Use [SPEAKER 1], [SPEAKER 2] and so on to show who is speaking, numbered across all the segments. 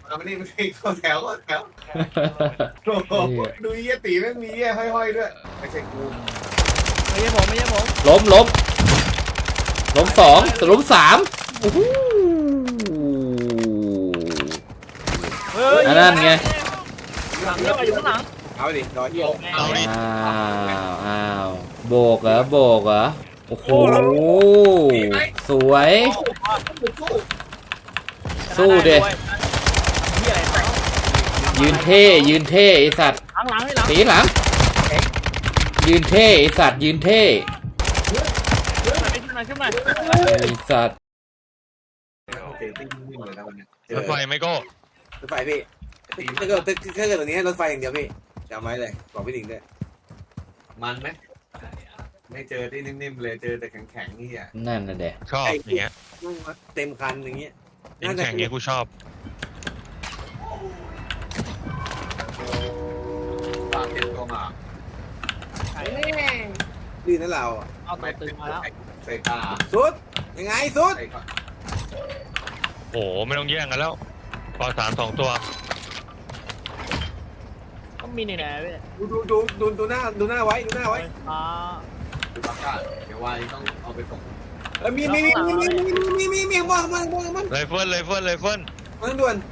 [SPEAKER 1] เอาไม่ได้ไม่ได้เข้าแถวโอ้โหดูเยี่ยตีไม่มีเยี่ยห้อยๆด้วยไม่ใช่กู
[SPEAKER 2] ไม่ใช่ผมไม่ใช่ผม
[SPEAKER 3] ล้มสองล้มสามโอ้โห
[SPEAKER 2] เฮ้ย
[SPEAKER 3] อันนั้นไง
[SPEAKER 2] หลังเยอะอยู่ข้างหลัง
[SPEAKER 1] เอาดิรอเยี่ย
[SPEAKER 4] เอาดิ
[SPEAKER 3] อ้าวโบกเหรอโอ้โหสวย สู้ดิ
[SPEAKER 2] นี่อะไร
[SPEAKER 3] ยืนเท่ไอสัตว์
[SPEAKER 2] หลังให้หลัง
[SPEAKER 3] ตีหลังยืนเท่ไอสัตว์ยืนเท่
[SPEAKER 2] ขึ้นมา
[SPEAKER 3] ไอสัตว์
[SPEAKER 1] โอเคติ้งวิ่งเลยนะวันนี้
[SPEAKER 4] รถไฟไม่ก็
[SPEAKER 1] รถไฟพี่ถ้าเกิดตัวนี้รถไฟอย่างเดียวพี่จำไว้เลยบอกพี่หนิงด้วยมันไหมไม่เจอที่นิ่มๆเลยเจอแต่แข็งๆนี่อ่ะ
[SPEAKER 3] นั่นน่ะเด็ก
[SPEAKER 4] ชอบอย่างเงี้ย
[SPEAKER 1] เต็มคันอย่างเงี้ย
[SPEAKER 4] ยิงแข่งเงี้ยกูชอบ
[SPEAKER 1] ปากเต็มตัวมา
[SPEAKER 2] ไอ้
[SPEAKER 1] ดีนะเรา
[SPEAKER 2] เอาตัวตึงมาแล้ว
[SPEAKER 1] ใส่ตาสุดยังไงสุด
[SPEAKER 4] โอ้ไม่ต้องแย่งกันแล้วปอ3 2 ตัว
[SPEAKER 2] ก็มีนี่แหละพี่
[SPEAKER 1] ดูหน้าไว้
[SPEAKER 2] อ๋อ
[SPEAKER 1] ดูปากกาเดี๋ยววายต้องเอาไปส่งมีบ้างมัน
[SPEAKER 4] ไรเฟิล
[SPEAKER 1] มันด่วน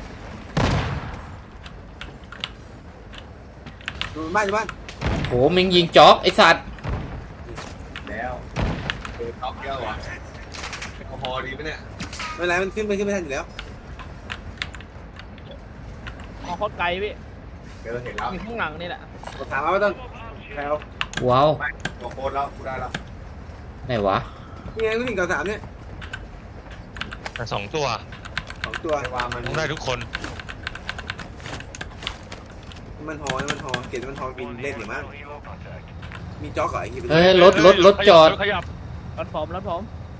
[SPEAKER 1] ดูบ้าน
[SPEAKER 3] โหมิงยิงจ็อกไอสัตว์
[SPEAKER 1] แล้วท็อปเยอะว่ะพอดีไหมเนี่ยไม่ไรมันขึ้นไม่ทันอยู่แล้ว
[SPEAKER 2] มองโคตรไกลพี่
[SPEAKER 1] เดี๋ยวเราเห็นแล้ว
[SPEAKER 2] อยู่ข้างหลังนี่แหละ
[SPEAKER 1] ถามว่าต้องแล้ว
[SPEAKER 3] ว้าว
[SPEAKER 1] บอกโค้ดแล้วกูได้แล้ว
[SPEAKER 3] ไหนวะ
[SPEAKER 1] นี่ไงผู้หญิงกับ3เนี่ย
[SPEAKER 4] แต่2 ตัว
[SPEAKER 1] 2 ตัววามัน
[SPEAKER 4] ต้องได้ทุกคน
[SPEAKER 1] มันหอเกตมันหอบินเล่นหรือมั้งมีจ็อกเหรอไอ้ที่
[SPEAKER 3] เฮ้ยรถจอด
[SPEAKER 4] ขยับ
[SPEAKER 2] รถผม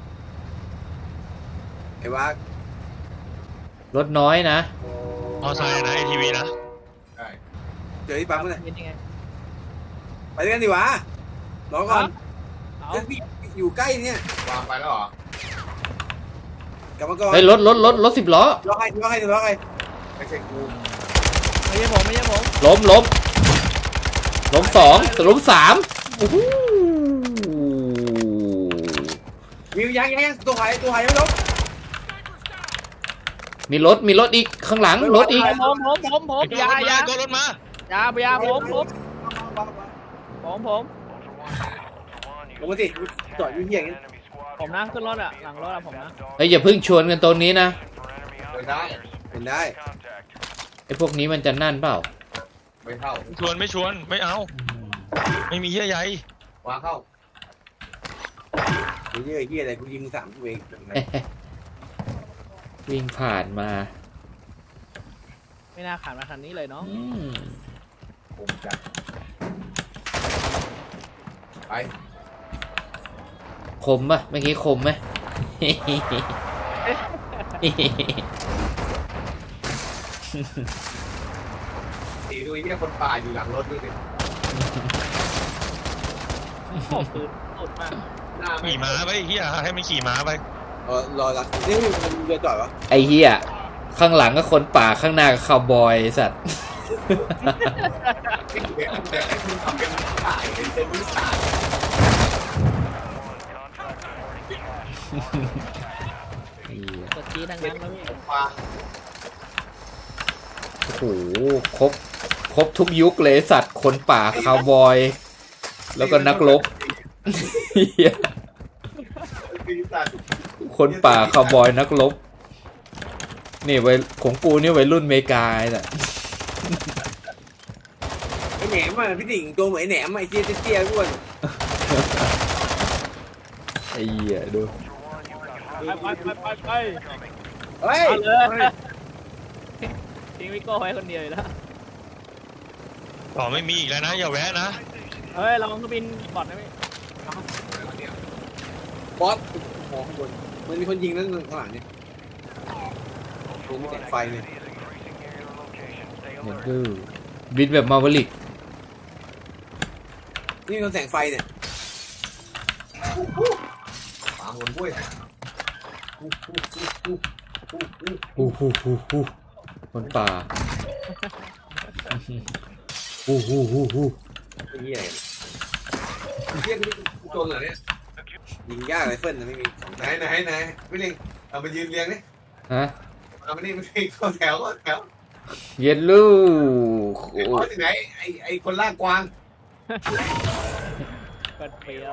[SPEAKER 1] ไอ้ว่าร
[SPEAKER 3] ถน้อยนะ
[SPEAKER 4] เอาไซน์นะ ATV นะ
[SPEAKER 1] ใช่เจอที่ปั๊มเมื่อไหร่
[SPEAKER 2] เป็นยังไง
[SPEAKER 1] ไปด้วยกันดีวะรอก่อน
[SPEAKER 2] เอา
[SPEAKER 1] เดี๋ยวอยู่ใกล้เนี่ยวางไปแล้วเหรอ กลับมาก่อน
[SPEAKER 3] เฮ้ยรถ10 ล้อ
[SPEAKER 1] รอใครไม่ใช่กู
[SPEAKER 2] ไม่ใช่ผม
[SPEAKER 3] ล้มสองล้มสามโอ้โห
[SPEAKER 1] วิวยังตัวหายยังไม่ลบ
[SPEAKER 3] มีรถอีกข้างหลังรถอีก
[SPEAKER 2] ผมยา
[SPEAKER 4] ก็รถมา
[SPEAKER 2] ผม
[SPEAKER 1] ลงมาสิจอดอยู่ที่อย่างนี้
[SPEAKER 2] ผมนะขึ้นรถอ่ะหลังรถอ่ะผมนะ
[SPEAKER 3] เฮ้ยอย่าเพิ่งชวนกันตรงนี้นะ
[SPEAKER 1] เป็นได้
[SPEAKER 3] ไอพวกนี้มันจะนั่นเปล่า
[SPEAKER 1] ไม่เข้า
[SPEAKER 4] ชวนไม่เอา ไม่มีเหี้ยใหญ่
[SPEAKER 1] วางเข้าเฮียอะไรกูยิง3กูเอง
[SPEAKER 3] วิ่งผ่านมา
[SPEAKER 2] ไม่น่าขาดมาคันนี้เลยเนาะ
[SPEAKER 1] ผมจัดไป
[SPEAKER 3] คมปะเมื่อกี้คมไหม
[SPEAKER 1] ตีดูไอ้เหี้ยคนป่าอยู่หลังรถด้วยดิ
[SPEAKER 2] ขอบปืนสุดมาก
[SPEAKER 4] ขี่ม้าไปเฮียให้มันขี่ม้าไป
[SPEAKER 1] รอรักนี่มันเรือจอดวะ
[SPEAKER 3] ไอเฮียข้างหลังก็คนป่าข้างหน้าก็คาวบอยไอ้สัตว์
[SPEAKER 1] เดี๋ยวให้คุณทำเป็นป่าเป็นวิสา
[SPEAKER 3] ไอ้เหี้ย
[SPEAKER 2] กดจีดังนั้นแล้วพี่
[SPEAKER 1] ป่า
[SPEAKER 3] โอ้โหครบทุกยุคเลยสัตว์คนป่าคาวบอย แล้วก็นักรบเหี้ยคนป่าคาวบอยนักรบนี่ไว้ของกูนี่ไว้รุ่นเมกาไอ้น่ะ
[SPEAKER 1] ไอ้แหนมอ่ะพี่ดิ่งตัวเหมือนไอ้แหนมไอ้เจี๊ยอ้วน
[SPEAKER 3] ไอ้เหี้ยดู
[SPEAKER 2] ไป
[SPEAKER 1] เฮ้ย
[SPEAKER 2] เอาเลยทิ้งวิโก้ไว้คนเดียวอยู่แล้ว
[SPEAKER 4] ต่อไม่มีอีกแล้วนะอย่าแวะนะ
[SPEAKER 2] เฮ้ยเราต้องบินบอดนะพี่
[SPEAKER 1] บอสมองข้างบนมันมีคนยิงนั่นข้างหลังเนี่ยดูมีแสงไฟเนี่ย
[SPEAKER 3] เห็นดูบินแบบมาวลิก
[SPEAKER 1] นี่มีแสงไฟเนี่ยปาหมุนบุ้ย
[SPEAKER 3] ฮูฮูฮูฮูคนป่าฮู้ฮู้ฮู้ฮู้
[SPEAKER 1] ไอ้เหี้ยเหี้ยกูโจรเหรอเนี่ยยิงยากไรเฟิลนะไม่มีไหนไม่เล่งเอามายืนเรียงนี่
[SPEAKER 3] ฮะ
[SPEAKER 1] เอามานี่ไม่เล่งเข้าแถว
[SPEAKER 3] เย็นลูก
[SPEAKER 1] ไอ้พ่อที่ไหนไอ้คนล่ากกวาง
[SPEAKER 2] เปิดเปรี้ยว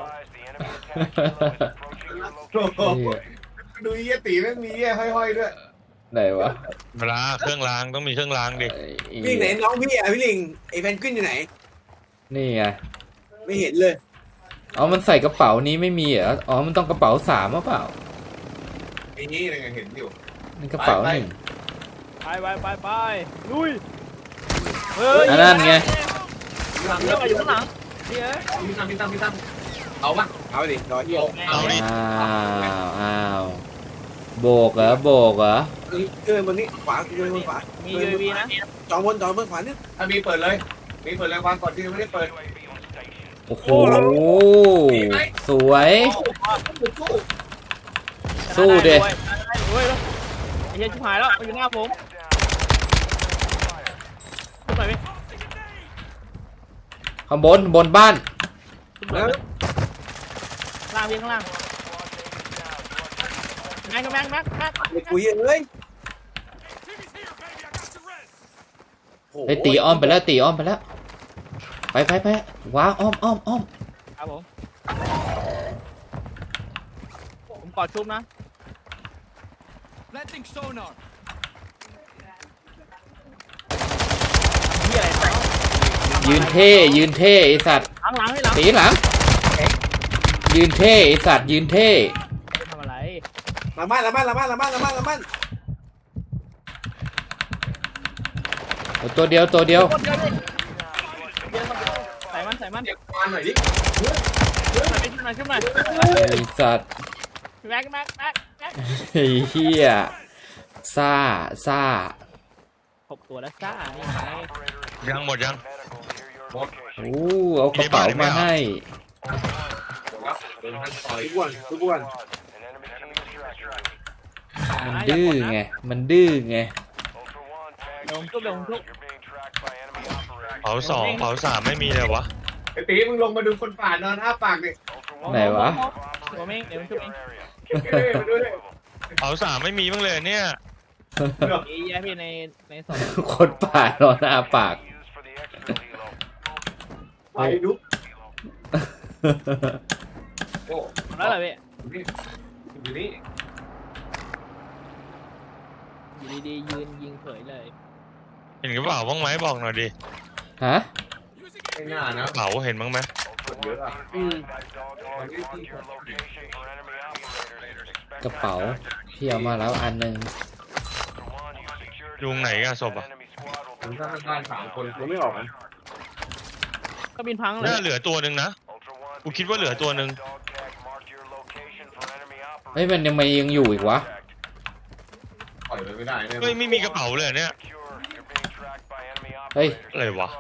[SPEAKER 1] โอ้โหดูเหี้ยตีแม่งมีเหี้ยห้อยๆด้วย
[SPEAKER 3] ไหนวะ
[SPEAKER 4] เวลาเครื่องรางต้องมีเครื่องรางดิ
[SPEAKER 1] พี่ไหนน้องพี่อ่ะพี่ลิงไอ้แพนกวินอยู่ไหน
[SPEAKER 3] นี่ไง
[SPEAKER 1] ไม่เห็นเลย
[SPEAKER 3] อ๋อมันใส่กระเป๋านี้ไม่มีเหรออ๋อมันต้องกระเป๋า3หรือเปล่า
[SPEAKER 1] ไอ้นี่ยังไงเห็นอยู่
[SPEAKER 3] นี่กระเป๋า
[SPEAKER 1] ไป
[SPEAKER 3] 1
[SPEAKER 2] ไปลุยเฮ้ย
[SPEAKER 3] อันนั้นไง
[SPEAKER 2] หลังเรื่องอะไรอยู่ข้างหลังนี่เอ้ย
[SPEAKER 1] พี่ตั้มเอาปะเอาดิรอเหี้ย
[SPEAKER 4] เอาดิ
[SPEAKER 3] อ้าวโบกเหรอโบกเหรอ
[SPEAKER 1] เกินบนนี้ขวาเกินบนขวา
[SPEAKER 2] มี UAV นะ
[SPEAKER 1] จองบนขวาเนี่ยถ้ามีเปิดเลยมีเปิดแรงวางก่อนที่ไม่ได้เปิด
[SPEAKER 3] โอ้โหสวย สู้ดิ
[SPEAKER 2] เฮ้ยไอ้เหี้ยชิบหายแล้วมันอยู่หน้าผมขึ้นไปไหม
[SPEAKER 3] ข้างบนบ้าน
[SPEAKER 2] ขึ้นไปไหมล่างพี่ข้างล่างแม็ก
[SPEAKER 1] ไอ้กูเหี้ยเอ้ย
[SPEAKER 3] ไปตีอ้อมไปแล้วตีอ้อมไปแล้วไปว้าอ้อม
[SPEAKER 2] ครับผมกอดชุบนะ
[SPEAKER 5] Planting sonar.
[SPEAKER 2] เหี้ยอะไร
[SPEAKER 3] ยืนเท่ไอสัตว์
[SPEAKER 2] หลังให้หลัง
[SPEAKER 3] ตีหลังยืนเท่ไอสัตว์ยืนเท่
[SPEAKER 2] ทำอะไร
[SPEAKER 1] ละมั่น
[SPEAKER 3] ตัวเดียว
[SPEAKER 2] ใส่มัน
[SPEAKER 1] เก็บควันหน่อยดิ
[SPEAKER 2] ขึ้นมา
[SPEAKER 3] ไอสัตว์
[SPEAKER 2] แม็ก
[SPEAKER 3] ไอ้เหี้ยซ่า
[SPEAKER 2] 6 ตัวแล้วจ้านี่ไง
[SPEAKER 4] ยังหมดยัง
[SPEAKER 3] โอ้เอากระเป๋ามาให้
[SPEAKER 1] ทุกวัน
[SPEAKER 3] มันดื้อไงมันดื้อไง
[SPEAKER 2] เดี๋ยวผมชุบ
[SPEAKER 4] เผา2เผา3ไม่มีเลยวะ
[SPEAKER 1] ไอ้ตีมึงลงมาดูคนป่านอนอ้าปากดิ
[SPEAKER 3] ไหนวะ
[SPEAKER 2] เดี๋ยวผมชุบเอง
[SPEAKER 1] มาดูดิ
[SPEAKER 4] เผา3ไม่มีบ้างเลยเนี่ย
[SPEAKER 2] มีแย่พี่ในสอง
[SPEAKER 3] คนป่านอนอาปาก
[SPEAKER 1] ไปดูโอ้
[SPEAKER 2] แล้วเหรอพี่
[SPEAKER 1] อยู่นี่
[SPEAKER 2] อยู่ดีๆยืนยิงเผยเลย
[SPEAKER 4] เห็นกระเป๋าบ้างไหมบอกหน่อยดิ
[SPEAKER 3] ฮะ
[SPEAKER 1] ไม่น่านะ
[SPEAKER 4] กระเป๋าเห็นบ้างไหม
[SPEAKER 1] เยอะอ่ะ
[SPEAKER 3] กระเป๋าพี่เอามาแล้วอันหนึง
[SPEAKER 4] ยุงไหนกันศพอ่ะ
[SPEAKER 1] ผมสร้างบ้าน3 คนผมไม่ออกนะ
[SPEAKER 2] ก็บินพังเลย
[SPEAKER 4] น่าเหลือตัวหนึ่งนะกูคิดว่าเหลือตัวหนึ่ง
[SPEAKER 3] เฮ้ยมันยังอยู่อีกวะ
[SPEAKER 1] ปล่อยไปไม่ได้เนี่ย
[SPEAKER 4] เฮ้ยไม่มีกระเป๋าเลยเนี่ย
[SPEAKER 3] เฮ้ย
[SPEAKER 4] อะไรวะ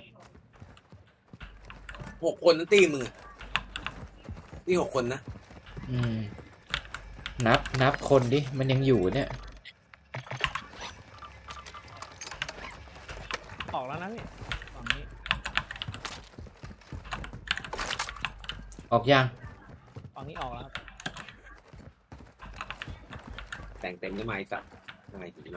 [SPEAKER 1] 6 คนนั่นตีมึงนี่6 คนนะ
[SPEAKER 3] อืมนับคนดิมันยังอยู่เนี่ย
[SPEAKER 2] ออกแล้วนะพี่ฝั่งนี้
[SPEAKER 3] ออกยัง
[SPEAKER 2] ฝั่งนี้ออกแล้วครับ
[SPEAKER 1] แต่งเต็มได้ไหมสัตว์ทำไมถึงมา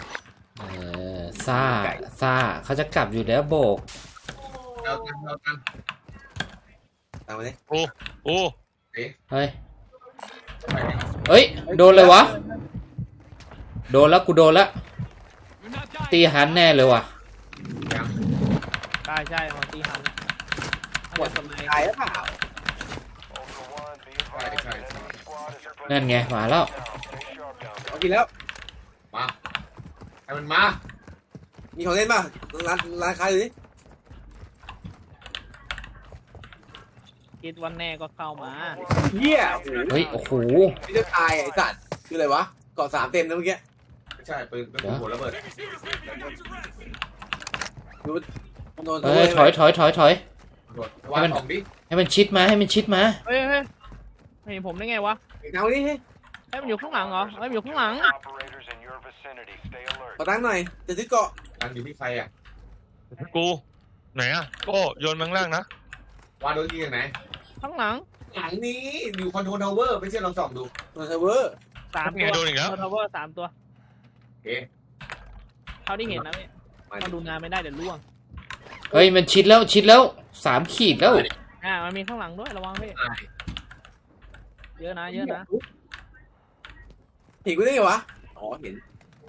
[SPEAKER 3] ซ่าเขาจะกลับอยู่แล้วโบก
[SPEAKER 1] เอากันตามมาดิ
[SPEAKER 4] โอ้
[SPEAKER 3] เฮ้ยเฮ้ยโดนเลยวะโดนแล้วกูโดนแล้ว
[SPEAKER 5] You're not dying.
[SPEAKER 3] ตีหันแน่เลยว่ะ
[SPEAKER 2] ใช่ของตีหันหมดสมัย
[SPEAKER 1] ตายหรือเปล่า
[SPEAKER 3] นั่นไงมาแล้ว
[SPEAKER 1] เอากินแล้วมาให้มันมามีของเล่นป่ะร้านค้าอยู่นี่
[SPEAKER 2] คิดวันแน่ก็เข้ามา
[SPEAKER 1] เหี้ย
[SPEAKER 3] เฮ้ยโอ้โห
[SPEAKER 1] ไม่จะตายไอ้สัตว์คืออะไรวะเกาะ3 เต็มนะเมื่อกี้ไม่ใช่ปืนหัวระเบิดดู
[SPEAKER 3] เฮ้ยถอย
[SPEAKER 1] วางของดิ
[SPEAKER 3] ให้มันชิดมา
[SPEAKER 2] เฮ้ยไม่เห็นผมได้ไงวะ
[SPEAKER 1] เอาดิ
[SPEAKER 2] ให้มันอยู่ข้างหลังเหรอให้มันอยู่ข้างหลัง
[SPEAKER 1] ขอตั้งหน่อยจะซื้อเกาะตั้งอยู่ที่ใครอ่ะ
[SPEAKER 4] กูไหนอ่ะก็โยนมังล่างนะ
[SPEAKER 1] วาโดนยิงจากไหน
[SPEAKER 2] ข้างหลัง
[SPEAKER 1] หลังนี้อยู่คอนโทรลทาวเวอร์ไม่เชื่อลองส่องดูคอนโทรลทาวเวอร์
[SPEAKER 2] สาม
[SPEAKER 4] ไง
[SPEAKER 2] ตัว
[SPEAKER 4] โดนอีกแล้ว
[SPEAKER 2] ทาวเวอร์3 ตัว
[SPEAKER 1] โอเค
[SPEAKER 2] เท่าที่เห็นนะพี่
[SPEAKER 1] มา
[SPEAKER 2] ถ้าดูงานไม่ได้เดี๋ยวล่วง
[SPEAKER 3] เฮ้ยมันชิดแล้ว3 ขีดแล้ว
[SPEAKER 2] มันมีข้างหลังด้วยระวังพี่เยอะนะเยอะนะ
[SPEAKER 1] เห็นกูได้ไงวะอ๋อเห็น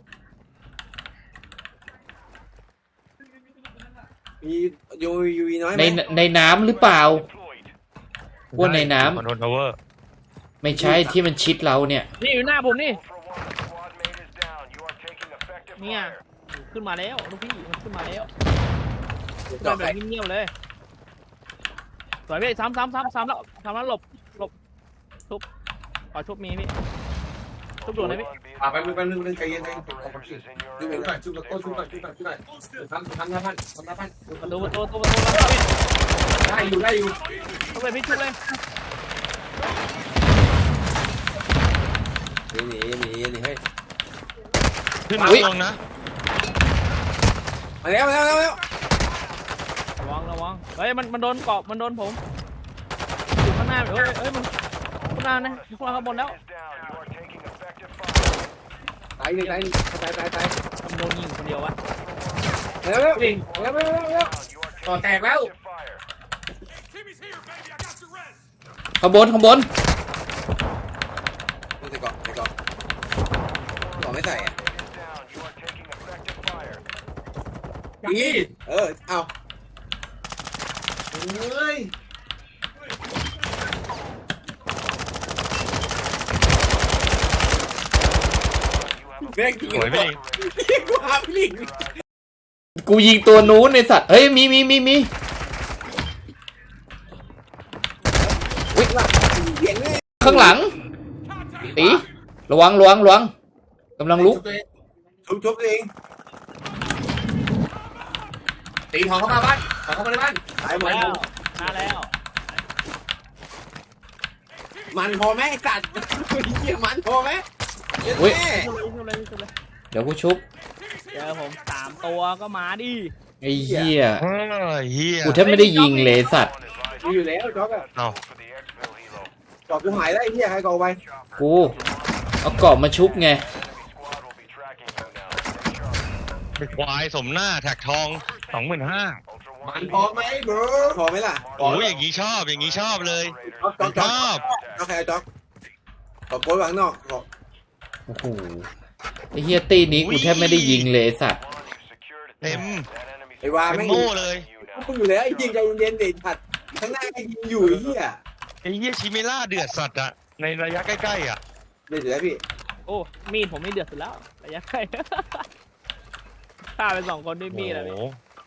[SPEAKER 1] มียูวีน้อยไหม
[SPEAKER 3] ในน้ำหรือเปล่าว่าในน้ำ
[SPEAKER 4] คอนโทรลทาวเวอร์
[SPEAKER 3] ไม่ใช่ที่มันชิดเราเนี่ย
[SPEAKER 2] นี่อยู่หน้าผมนี่เนี่ยขึ้นมาแล้วลูกพี่มันขึ้นมาแล้ว
[SPEAKER 1] จอ
[SPEAKER 2] แบบเงียบๆเลยสวยพี่ซ้ำแล้วหลบทุบขอชุบมีพี่ชุบด่วนเลยพี่
[SPEAKER 1] ไปนึงใจเย็นดูเหมือนก่อนชุบก่อนชุบก่อนทำหน้าพัน
[SPEAKER 2] ประตูพี่
[SPEAKER 1] ได้อยู่
[SPEAKER 2] ชุบเลยพี่ชุบเลย
[SPEAKER 1] หนีเฮ้ย
[SPEAKER 4] ขึ้นมาลงนะ
[SPEAKER 1] มาแล้ว
[SPEAKER 2] ระวังเฮ้ยมันโดนเกาะมันโดนผมอยู่ข้างหน้าเฮ้ยมันข้างหน้านะอยู่ข้างบนแล้ว
[SPEAKER 1] ตาย
[SPEAKER 2] มันโดนยิงคนเดียววะ
[SPEAKER 1] แล้วต่อแตกแล้ว
[SPEAKER 3] ข้างบน
[SPEAKER 1] ใส่เกาะไม่ใส่อ่ะนี่เอาเฮ้ยแม่งจริง
[SPEAKER 4] สวยพี่
[SPEAKER 1] กูหาพี่ลิง
[SPEAKER 3] กูยิงตัวนู้นในสัตว์เฮ้ยมี
[SPEAKER 1] วิ่งละเสียงเลย
[SPEAKER 3] ข้างหลังตีระวังกำลังลุก
[SPEAKER 1] ชุบตัวเองตีทองเข้ามาบ้านทองเข้ามาในบ้านตายหมด
[SPEAKER 2] แล้วมาแล้ว
[SPEAKER 1] มันพอไหมไอ้สัตว์เหี้ยมันพอไหมเย็น
[SPEAKER 3] อุ๊ย
[SPEAKER 1] แม่
[SPEAKER 2] ชุบเลย
[SPEAKER 3] เดี๋ยวกูชุบ
[SPEAKER 2] เจอผม3 ตัวก็มาดิ
[SPEAKER 3] ไอ้เหี้ย
[SPEAKER 4] เฮ้ยเฮีย
[SPEAKER 3] กูแทบไม่ได้ยิงเลยสัตว์
[SPEAKER 1] อยู่แล้วจ๊อกอะ
[SPEAKER 4] เอา
[SPEAKER 1] จอบกูหายได้ไอ้เหี้ยใครกเอาไป
[SPEAKER 3] กูเอากรอบมาชุบไง
[SPEAKER 4] ไปควายสมหน้าแท็กทอง 25,000
[SPEAKER 1] มันพอไหมเบอร์พอไหมล่ะ
[SPEAKER 4] โอ้ยอย่างนี้ชอบเลย
[SPEAKER 1] จ๊อก
[SPEAKER 4] ชอบ
[SPEAKER 1] จ๊อกใครจ๊อกขอโกยวางนอกขอ
[SPEAKER 3] โอ้โหไอ้เหี้ยตีนี้กูแทบไม่ได้ยิงเลยไอ้สัตว์
[SPEAKER 4] เต็ม
[SPEAKER 1] ไอ้วา
[SPEAKER 4] เป็น
[SPEAKER 1] ไม่
[SPEAKER 4] โม่เลย
[SPEAKER 1] กูอยู่แล้วไอ้ยิงใจเย็นๆเด็ดผัดข้างหน้าไอ้ยิงอยู่ไอ้เหี้ย
[SPEAKER 4] ไอ้เฮียชิเมล่าเดือดสัตว์อะในระยะใกล้ๆอะ
[SPEAKER 1] เด็ดอยู่แล้วพี่
[SPEAKER 2] โอ้มีดผมไม่เดือดสุดแล้วระยะใกล้ฆ่าไป2 คนด้วยมีดอะพี่
[SPEAKER 4] โอ้โห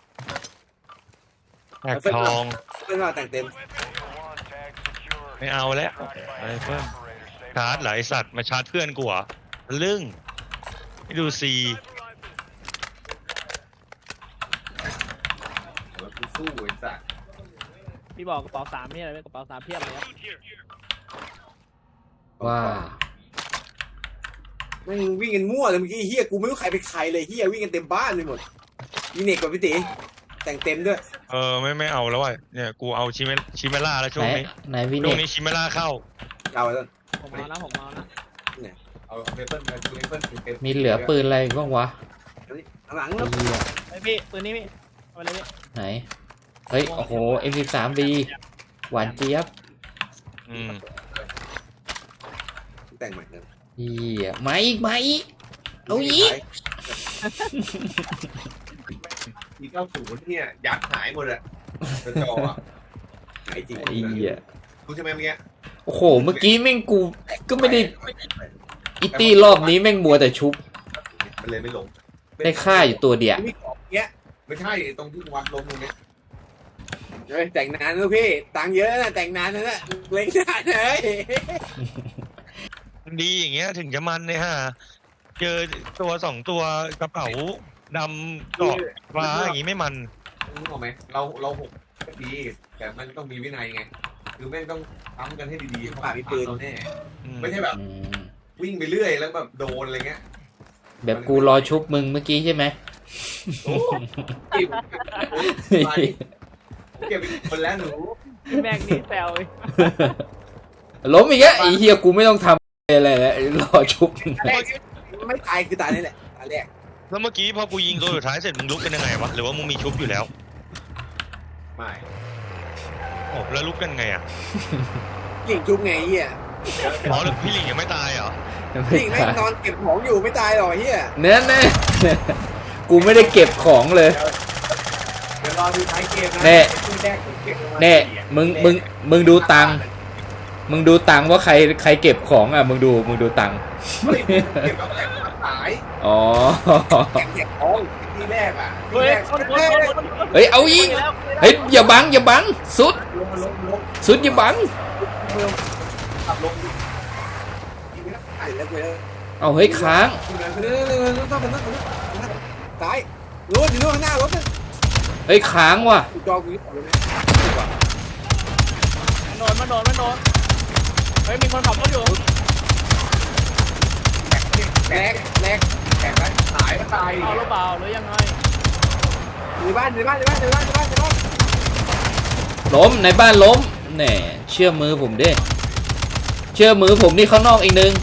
[SPEAKER 4] แท็กทอง
[SPEAKER 1] เป็นว่าแต่งเต็ม
[SPEAKER 4] ไม่เอาแล้วไอ้เพิ่มชาร์จเหรอไอสัตว์มาชาร์จเพื่อนกูเหรอลึ่งให้ดูซี
[SPEAKER 1] กูสู้ไอ้สัตว์
[SPEAKER 2] พี่บอกกระเป๋า3นี่อะไรไหมกระเป๋า3เพียบเลยครับ
[SPEAKER 3] ว่า
[SPEAKER 1] แม่งวิ่งกันมั่วเลยเมื่อกี้เฮียกูไม่รู้ใครเป็นใครเลยเฮียวิ่งกันเต็มบ้านไปหมดมีเน็กกับพี่ตีแต่งเต็มด้วย
[SPEAKER 4] ไม่เอาแล้วว่ะเนี่ยกูเอาชิเมล่าแล้วช่วงนี้
[SPEAKER 3] ไหนวิ
[SPEAKER 4] ช่ว
[SPEAKER 3] เน็
[SPEAKER 4] ง
[SPEAKER 3] ก
[SPEAKER 4] นี้ชิเมล่าเข้า
[SPEAKER 1] เอาไว้ต้น
[SPEAKER 2] ผมเอานะ
[SPEAKER 1] เอาเปเปิ้ลมาดูเปเปิ้ลเต็ม
[SPEAKER 3] มีเหลือปืนอะไรบ้างวะ
[SPEAKER 1] หลัง
[SPEAKER 3] ไอ้
[SPEAKER 1] แล้ว
[SPEAKER 3] เหี้ย
[SPEAKER 2] ไอพี่ปืนนี้พี่เอาไปเลยพี่
[SPEAKER 3] ไหนเฮ้ยโอ้โห M13B หวานเจี๊ยบ
[SPEAKER 4] อืม
[SPEAKER 1] แต่งใหม่เลย
[SPEAKER 3] เหี้ยมาอีกเอาอีก
[SPEAKER 1] ที90เนี่ยยัดหายหมดอะจออะหายจริง
[SPEAKER 3] ไอ้เหี้ย
[SPEAKER 1] กูใช่ไหมเมื่อกี้
[SPEAKER 3] โอ้โหเมื่อกี้แม่งกูก็ไม่ได้อิตี้รอบนี้แม่งมัวแต่ชุบ
[SPEAKER 1] มันเลยไม่ลง
[SPEAKER 3] ได้ค่าอยู่ตัวเดียว
[SPEAKER 1] ไม่ของเงี้ยไม่ใช่ตรงที่วัดลงตรงนี้เฮ้ยแต่งนานนะพี่ตังค์เยอะนะแต่งนานนะเล็กนานเลย
[SPEAKER 4] ดีอย่างเงี้ยถึงจะมันเนี่ยฮะเจอตัว2 ตัวกระเป๋าดำดอกฟ้าอย่างงี้ไม่มัน
[SPEAKER 1] รู้ไหมเราหกดีแต่มันต้องมีวินัยไงคือแม่งต้องทำกันให้ดีๆป่ามีปืนแน่
[SPEAKER 4] อืม
[SPEAKER 1] ไม่ใช่แบบ
[SPEAKER 3] อืม
[SPEAKER 1] วิ่งไปเรื่อยแล้วแบบโดนอะไรเงี้ย
[SPEAKER 3] แบบกูรอชุบมึงเมื่อกี้ใช่ไหม
[SPEAKER 1] เก็บไปคนแล้วหนู
[SPEAKER 2] พี่แม็กนี่แซวอีก
[SPEAKER 3] ล้มอีกแล้วไอ้เฮียกูไม่ต้องทำอะไรแล้วรอชุบมึง
[SPEAKER 1] แรกไม่ตายคือตายนี่แหละตายแรก
[SPEAKER 4] แล้วเมื่อกี้พอกูยิงตัวสุดท้ายเสร็จมึงลุกกันยังไงวะหรือว่ามึงมีชุบอยู่แล้ว
[SPEAKER 1] ไม่
[SPEAKER 4] โอ้แล้วลุกกันไงอ่ะ
[SPEAKER 1] หลิงจุ๊บไงเฮีย
[SPEAKER 4] อ๋อหรือพี่หลิงยังไม่ตายเหรอ
[SPEAKER 1] หลิงแม่งนอนเก็บของอยู่ไม่ตายหรอกเฮีย
[SPEAKER 3] เนื้อแน่กูไม่ได้เก็บของเลย
[SPEAKER 1] เดี๋ยวรอดูท้ายเกมนะ
[SPEAKER 3] แน่
[SPEAKER 1] คู่แรกผมเก็บประมาณ
[SPEAKER 3] แน่
[SPEAKER 1] 4อะ
[SPEAKER 3] มึงดูตังค์มึงดูตังค์ว่าใครเก็บของอ่ะมึงดูตังค์
[SPEAKER 1] เฮ้ยเก็บแล้วแต่ตาย
[SPEAKER 3] อ๋อ
[SPEAKER 1] เก็บของที่แรกอ่ะที่
[SPEAKER 2] เฮ้ย
[SPEAKER 1] แรก
[SPEAKER 2] คน
[SPEAKER 1] เฮ้ย
[SPEAKER 3] เฮ้ยเอาอีกเฮ้ยอย่าบังสุด
[SPEAKER 1] ลง
[SPEAKER 3] สุดอย่าบัง
[SPEAKER 1] ขับลงยิงไปแล้วตายแล้วกูเลย
[SPEAKER 3] เอาเฮ้ยค้าง
[SPEAKER 1] ตายรถอยู่ข้างหน้ารถนะ
[SPEAKER 3] เฮ้ยค้างว่ะ
[SPEAKER 1] จอกูยึดเลยนะ
[SPEAKER 2] มันโดนเฮ้ยมีคนขับรถอยู่
[SPEAKER 1] แตกไปตายก็ตาย
[SPEAKER 2] เอาหรือเปล่าหรือยังไง
[SPEAKER 1] ในบ้าน
[SPEAKER 3] ล้มในบ้านล้มแหน่เชื่อมือผมดิเชื่อมือผมนี่ข้างนอกอีกนึง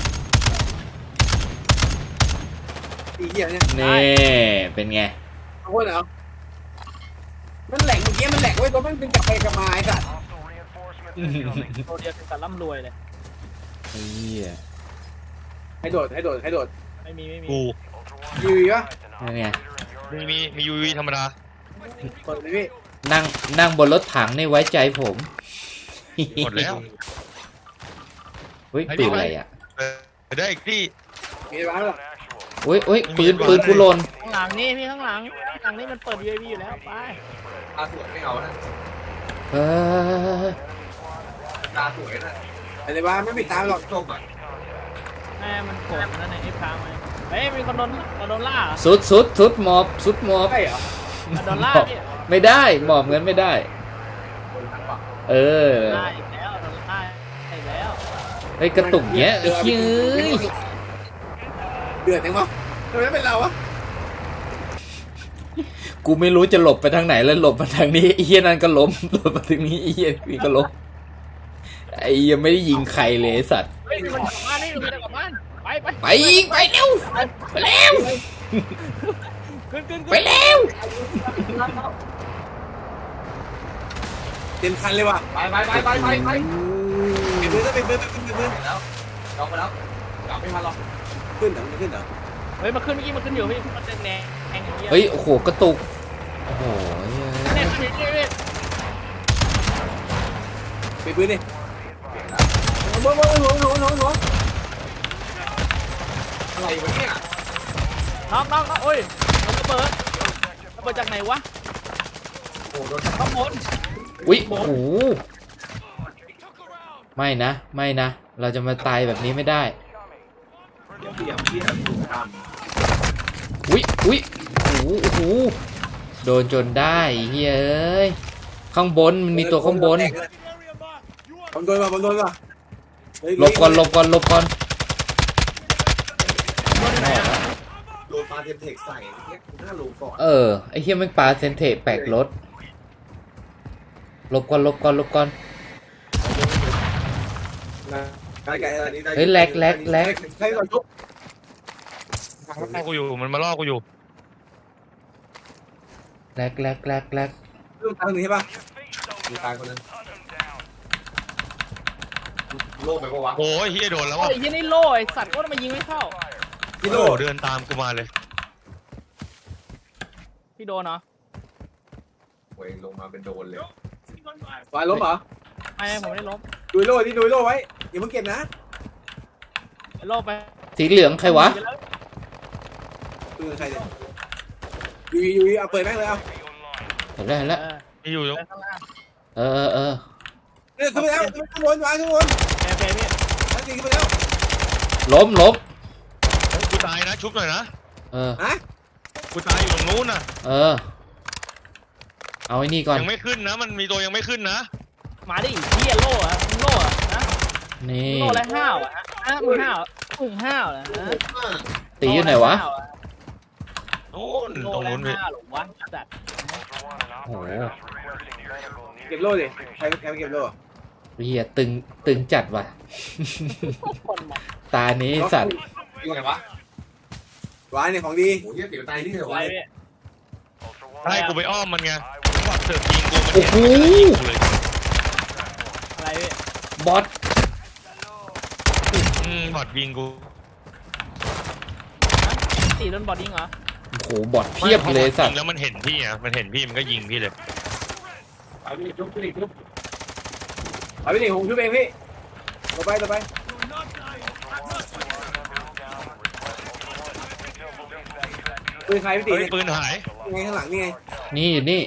[SPEAKER 1] อีเหี้ยเนี่ย
[SPEAKER 3] นี่เป็นไง
[SPEAKER 1] เอาคนเหรอมันแหลกเมื่อกี้มันแหลกไว้ตัวมันเป็นกลับไปกลับมาไอ้สัตว์
[SPEAKER 2] ตัวเดียวถึงกับร่ำรวยเลย
[SPEAKER 3] เฮีย
[SPEAKER 1] ให้โดด
[SPEAKER 2] ไม่มี
[SPEAKER 4] กู
[SPEAKER 1] ยูวีวะ
[SPEAKER 3] นั่นไง
[SPEAKER 4] มียูวีธรรมดา
[SPEAKER 1] เปิดเลยพี่
[SPEAKER 3] นั่งบนรถถังนี่ไว้ใจผม
[SPEAKER 4] หมดแล้ว
[SPEAKER 3] เฮ้ยปืนอะไรอ่ะ
[SPEAKER 4] ได้อีกที่
[SPEAKER 1] มีร้านหรอ
[SPEAKER 3] เฮ้ยปืนกูหล่น
[SPEAKER 2] ข้างหลังนี่พี่ข้างหลังนี่มันเปิด UAV อยู่แล้วไป
[SPEAKER 1] ตาสวยไม่เอานะ
[SPEAKER 3] เออ
[SPEAKER 1] ตาสวยนะอะไรบ้าไม่ปิดตาหรอกจบอ่ะ
[SPEAKER 2] แม่มันโกรธนั่นในไอ้พามาเฮ้ยมีคนโดนล่า
[SPEAKER 3] สุดหมอบ
[SPEAKER 1] ใช่เหรอ
[SPEAKER 2] โดนล่าพี่
[SPEAKER 3] ไม่ได้หมอบเงินไม่ได้
[SPEAKER 1] คนทั้งฝั่ง
[SPEAKER 3] เออ
[SPEAKER 2] ล่าอีกแล้วโดนล่าอีกแล้ว
[SPEAKER 3] เฮ้ยกระตุกเงี้ยไอ้เฮ้ย
[SPEAKER 1] เดือดจังวะทำไมเป็นเราวะ
[SPEAKER 3] กูไม่รู้จะหลบไปทางไหนแล้วหลบมาทางนี้ไอ้เฮียนั่นก็ล้มหลบมาทางนี้ไอ้เฮียนี่ก็ล้มไอ้เหี้ยังไม่ได้ยิงใครเลยไอ้สัตว์
[SPEAKER 2] เฮ้ยมันกลับบ้านนี่มันกลับบ้านไป
[SPEAKER 3] ไปอีกไปเร็วไปแล้ว
[SPEAKER 2] ขึ้น
[SPEAKER 3] ไปแล้ว
[SPEAKER 1] เต็มคันเลยว่ะไปเป็นปืนแล้วลองไปแล้วกลับไม่ทันหรอกขึ้นเหรอ
[SPEAKER 2] เฮ้ยมาขึ้นเมื่อกี้มาขึ้นอยู่พี่มันแดงอย่างเงี้ย
[SPEAKER 3] เฮ้ยโอ้โหกระตุกโอ้โห
[SPEAKER 2] เนี่ยขึ้นนี่
[SPEAKER 1] เป็นปืนดิหัวอะไรวะเนี่ย
[SPEAKER 2] น็อกโอ้ยระเบิดจากไหนวะ
[SPEAKER 1] โอ้โดน
[SPEAKER 2] ข้างบน
[SPEAKER 3] อุ้ยโอ้โหไม่นะเราจะมาตายแบบนี้ไม่ได้
[SPEAKER 1] ที่ถูกท
[SPEAKER 3] อุ้ยโอ้โหโดนจนได้เฮ้ยเอ้ยข้างบนมัน
[SPEAKER 1] ำ
[SPEAKER 3] มีตัวข้างบน
[SPEAKER 1] ผมโดนว่ะ
[SPEAKER 3] หลบก่อน
[SPEAKER 1] โดนปาเทมเทคใส่เนี่ยหน้าหลูก่อน
[SPEAKER 3] ไอ้เฮียแม่งปาเซนเทแปลกรถหลบก่อนเฮ้ยแลก
[SPEAKER 1] ใครก่อนทุบ
[SPEAKER 4] มันล่อกูอยู่มันมาล่อกูอยู่
[SPEAKER 3] แลก
[SPEAKER 1] ลูกทางนี้ใช่ป่ะมีตายคนนึงโล่ไปปะวะ
[SPEAKER 4] โอ้ยเฮียโดนแล้ว
[SPEAKER 2] โอ้
[SPEAKER 4] อ่ะ
[SPEAKER 2] ยยี่นี่โล่ไอ้สัตว์ก็มายิงไม่เข้า
[SPEAKER 1] กิ
[SPEAKER 4] โอ้
[SPEAKER 1] โล
[SPEAKER 4] เดินตามกูมาเลย
[SPEAKER 2] พี่โดนเหรอ
[SPEAKER 1] โอ้ยลงมาเป็นโดนเลยวายล้มเหรอ
[SPEAKER 2] ไม่ผมไม่ได้ล้ม
[SPEAKER 1] ดูโล่ไว้อย่าเพิ่งเก็บนะ
[SPEAKER 2] โล่ไป
[SPEAKER 3] สีเหลืองใครวะ
[SPEAKER 1] ดูใครเนี่ยยูเอาเปิดแม่งเลยเอา
[SPEAKER 3] เห็นแล้ว
[SPEAKER 4] มีอยู่
[SPEAKER 2] ข้างล่าง
[SPEAKER 3] เออ
[SPEAKER 1] เนี่ยขึ้นไปแล้วข้างบนวางข้างบน
[SPEAKER 2] โอเคพี่
[SPEAKER 1] ทั้งสี่ขึ้นไปแล้ว
[SPEAKER 3] ล้ม
[SPEAKER 4] กูตายนะชุบหน่อยนะ
[SPEAKER 1] ฮะ
[SPEAKER 4] กูตายอยู่ตรงนู้นน่ะ
[SPEAKER 3] เอาไอ้นี่ก่อน
[SPEAKER 4] ยังไม่ขึ้นนะมันมีตัวยังไม่ขึ้นนะ
[SPEAKER 2] มาดิเฮียโล่อะมึงโล่อะนะ
[SPEAKER 3] นี่
[SPEAKER 2] โล่แล้วห้าวอะมึงห้าวเหรอ
[SPEAKER 3] ตีอยู่ไหนวะ
[SPEAKER 2] โล่แล้ห้าอ
[SPEAKER 4] นู้น
[SPEAKER 2] โล
[SPEAKER 4] ตรง
[SPEAKER 2] แร
[SPEAKER 4] นู้
[SPEAKER 2] ง
[SPEAKER 4] นพี่
[SPEAKER 2] ห้าหรอวะจัด
[SPEAKER 3] โอ้โห
[SPEAKER 1] เก็บโล่ดิใครไปเก็บโล่
[SPEAKER 3] เฮียตึงจัดว่ะ
[SPEAKER 2] คนมา
[SPEAKER 3] ตานี้สัตว์
[SPEAKER 1] อยู่ไหนวะวายเนี่ยของดีโอ้ยเดี๋ยวตายนี่เหรอ
[SPEAKER 2] ไว้
[SPEAKER 1] วะ
[SPEAKER 2] พี่
[SPEAKER 4] ให้กูไปอ้อมมันไงวัดเสือกยิงกูมัน
[SPEAKER 3] โอ้โห
[SPEAKER 4] เลย
[SPEAKER 2] อะไรพี่
[SPEAKER 3] บอส
[SPEAKER 4] บอดยิงกู
[SPEAKER 2] ตีโดนบอดยิงเหรอ
[SPEAKER 3] โอ้โหบอสเพียบเลยสัต
[SPEAKER 4] ยิ
[SPEAKER 3] ว์
[SPEAKER 4] งแล้วมันเห็นพี่อ่ะมันเห็นพี่มันก็ยิงพี่เลย
[SPEAKER 1] เอาพี่ชุบพี่ชุบเอาพี่หนิงผมชุบเองพี่ต่อไปปืนใครพี่ตี
[SPEAKER 4] เฮ้ยปืนหาย
[SPEAKER 1] ไงข้างหลังนี่ไง
[SPEAKER 3] นี่อยู่นี่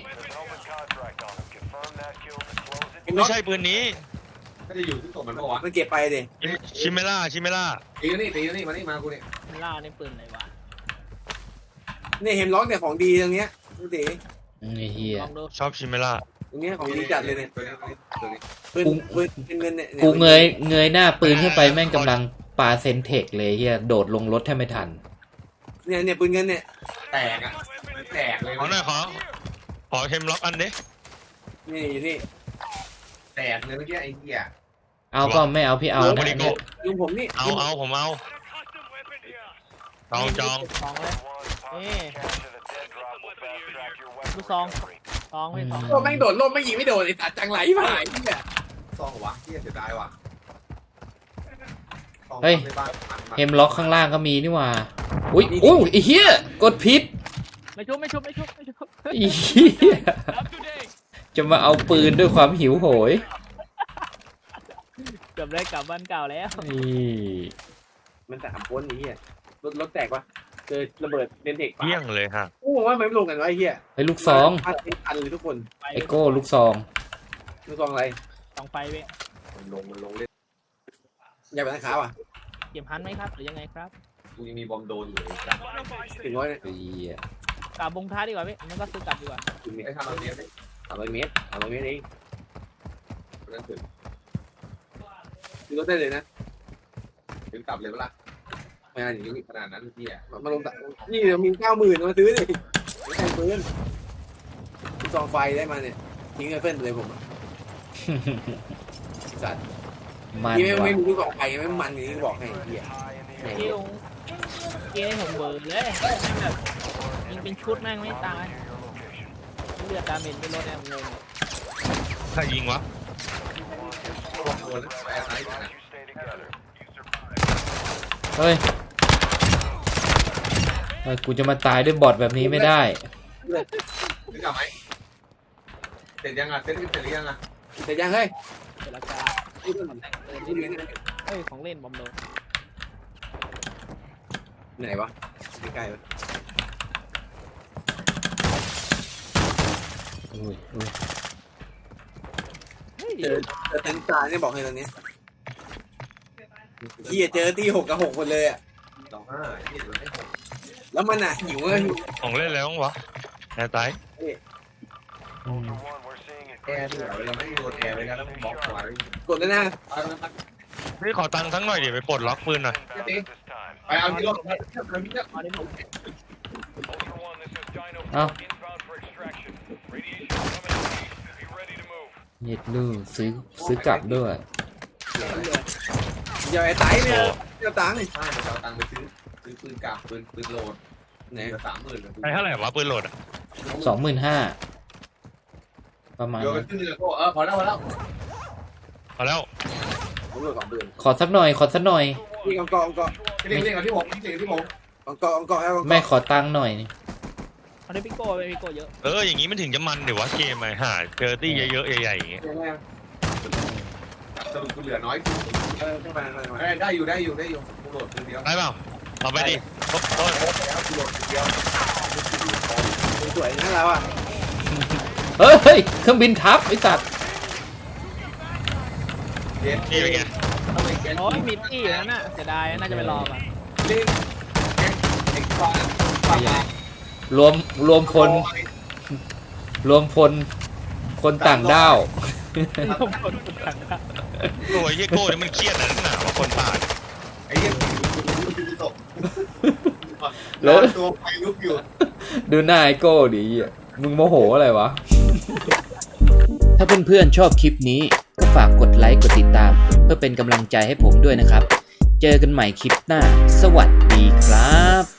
[SPEAKER 4] ไม่ใช่ปืนนี้
[SPEAKER 1] ก็จะอยู่ที่ตัวมันปะวะมันเก็บไปดิ
[SPEAKER 4] ชิเมล่า
[SPEAKER 1] ตีนี่มานี่มากูเนี่ย
[SPEAKER 2] ล่าในปืนอะไรวะ
[SPEAKER 1] เนี่ยเห็นล็อกเนี่ยของดีตรงเนี้ยพี่ตี
[SPEAKER 3] ไอ้เฮีย
[SPEAKER 2] ลองดู
[SPEAKER 4] ชอบชิเมล่า
[SPEAKER 1] ตรงเนี้ยของดีจัดเลยเนี่ยปืนเป็นเงินเนี่ย
[SPEAKER 3] กูเงยหน้าปืนขึ้นไปแม่งกำลังปาเซนเทคเลยเฮียโดดลงรถแทบไม่ทัน
[SPEAKER 1] เนี่ยปืนเงินเนี่ยแตกอ่ะแตกเลย
[SPEAKER 4] ขอหน่อยขอเทมล็อกอันดิ
[SPEAKER 1] นี่อยู่นี่แตกเลยเมื่อกี้ไอ้เหี้ย
[SPEAKER 3] เอาก็ไม่เอาพี่เอา
[SPEAKER 4] โอ้
[SPEAKER 3] นะ
[SPEAKER 4] โหดิโก้
[SPEAKER 1] ลุงผมนี่
[SPEAKER 4] เอาผมเอาจอง
[SPEAKER 2] สองเลยนี่ดูซองไม่ซอง
[SPEAKER 1] ก็แม่งโดดล่มไม่ยิงไม่โดนไอ้ตัดจังไรผ่านเนี่ยซองวะเหี้ยเสียดายว่ะ
[SPEAKER 3] เฮ้ยเฮมล็อกข้างล่างก็มีนี่หว่าอุ้ยอุ้ยไอ้เฮียกดผิด
[SPEAKER 2] ไม่ชุบ
[SPEAKER 3] ไอ้เฮียจะมาเอาปืนด้วยความหิวโหย
[SPEAKER 2] เกือบได้กลับบ้านเก่าแล้ว
[SPEAKER 3] นี่
[SPEAKER 1] มันแต่3 คนนี้รถแตกปะเจอระเบิดเดนเทค
[SPEAKER 4] เที่ยงเลยฮะ
[SPEAKER 1] กูบอกว่าไม่ลงกันวะไอ้เหี้ย
[SPEAKER 3] ไอ้ลูกซอง
[SPEAKER 1] พันเลยทุกคน
[SPEAKER 3] ไอโก้ลูกซอง
[SPEAKER 1] ลูกซองอะไร
[SPEAKER 2] สองไฟพี่
[SPEAKER 1] มันลงเล่นอย่าไปทางขาว่ะ
[SPEAKER 2] เก็บฮันไหมครับหรือยังไงครับ
[SPEAKER 1] กูยังมีบอมโดนอยู่ถึงร้อยเนี่ย
[SPEAKER 3] ไอ้เหี้ย
[SPEAKER 2] กลับบงท้ายดีกว่าพี่มันก็ซื้อกลับดีกว่า
[SPEAKER 1] ถึงไอ้300 เมตร300 เมตรเองนั่นถึงรถได้เลยนะถึงกลับเลยเวลาไม่น่าอย่างนี้ขนาดนั้นพี่อ่ะมาลงนี่เรามี 90,000มาซื้อดิไม่ใช่ปืนซองไฟได้มาเนี่ยทิ้งไอ้เฟิร์นเลยผมสัตว์
[SPEAKER 3] มัน
[SPEAKER 1] ที่ไม่
[SPEAKER 3] ว่ะ
[SPEAKER 1] รู้ที่บอกไปไม่มันอย่างนี้บอกให้เหี้ย
[SPEAKER 2] ที่ลงเกมผมเบิร์เลยแม่งแบบยิงเป็นชุดแม่งไม่ตายเลือดดาเมจไม่ลดแน่งง
[SPEAKER 4] ใครยิงวะ
[SPEAKER 3] เฮ้ยเฮ้ยกูจะมาตายด้วยบอทแบบนี้ไม่ได้
[SPEAKER 1] นึกออกไหมเสร็จยังอ่ะเสร็จหรือยังอ่ะเสร็จยังเฮ้ย
[SPEAKER 2] เจรจา
[SPEAKER 1] นี่ดูนี่
[SPEAKER 2] เฮ้ยของเล่นบอมโดน
[SPEAKER 1] ไหนวะใกล้ๆวะ
[SPEAKER 3] อุ้ยอุ้ย
[SPEAKER 2] เฮ้ย
[SPEAKER 1] เจอเต็นตาเนี่ยบอกให้ตอนนี้เฮียเจอที่6 กับ 6คนเลยอ่ะแล้วมันอ่ะหิวเลย
[SPEAKER 4] ของเล่นแล้ววะแอร์ไต
[SPEAKER 3] อืม
[SPEAKER 1] แอร์เราไม่โดนแอร์ไปกันแล้วบล็อกไว้กดเลยนะ
[SPEAKER 4] พี่ขอตังค์ทั้งหน่อยเดี๋ยวไปปลดล็อกปืนหน่อย
[SPEAKER 1] ไปเอาที่รถ
[SPEAKER 2] มาดิผม
[SPEAKER 3] เอ้าเย็ดลูกซื้อกลับด้วย
[SPEAKER 1] อย่าไอ้ไตเนี่ยเจ้าตังค์ใช่เอาตังค์ไปซื้อปืนกลับปืนโหลดไหน30,000
[SPEAKER 4] ไอ้เท่าไหร่วะปืนโหลดอ่ะ
[SPEAKER 3] 25,000ประมาณ
[SPEAKER 1] โยนไป
[SPEAKER 3] นั้น
[SPEAKER 1] ขึ้นเลยพอแล้ว
[SPEAKER 4] พอแล้ว
[SPEAKER 1] ผมเลือกของปืน
[SPEAKER 3] ขอสักหน่อย
[SPEAKER 1] นี่กองที่ผมกอง
[SPEAKER 3] แม่ขอตังค์หน่อยนี่
[SPEAKER 2] เอาได้พี่โก้ไปพี่โก้เยอะ
[SPEAKER 4] อย่างนี้มันถึงจะมันเดี๋ยววะเกมไอ้ห่าเจอตี้เยอะๆใหญ่ๆอย่างเงี้ย
[SPEAKER 1] สรุปกูเหลือน้อยได้อยู่กูโหลดปืนเดียว
[SPEAKER 4] ได้เปล่าเอาไปดิโทษ
[SPEAKER 1] กูโหลดปืนเดียวสวยนะเราอ่ะ
[SPEAKER 3] เฮ้ยเครื่องบินทับไอ้สัตว์
[SPEAKER 4] นี่เป็นไง
[SPEAKER 2] โอ้ยมีตี้อยู่นั่นน่ะเสียดายน่าจะไปรอก่อน
[SPEAKER 1] เล่นเด็กฟัง
[SPEAKER 3] รวมพลคนต่างด้าว
[SPEAKER 2] ต้องคนต่างกัน
[SPEAKER 4] โอ้ยเฮียโก้เนี่ยมันเครียดนะนักหนาวะคนตาย
[SPEAKER 1] ไอ้เหี้ยตก
[SPEAKER 2] ม
[SPEAKER 1] นอนตัวไฟลุกอยู่
[SPEAKER 3] ดูหน้าไอโก้ดิเหี้ยมึงโมโหอะไรวะ ถ้าเพื่อนๆชอบคลิปนี้ก็ฝากกดไลค์กดติดตาม เพื่อเป็นกำลังใจให้ผมด้วยนะครับ เจอกันใหม่คลิปหน้า สวัสดีครับ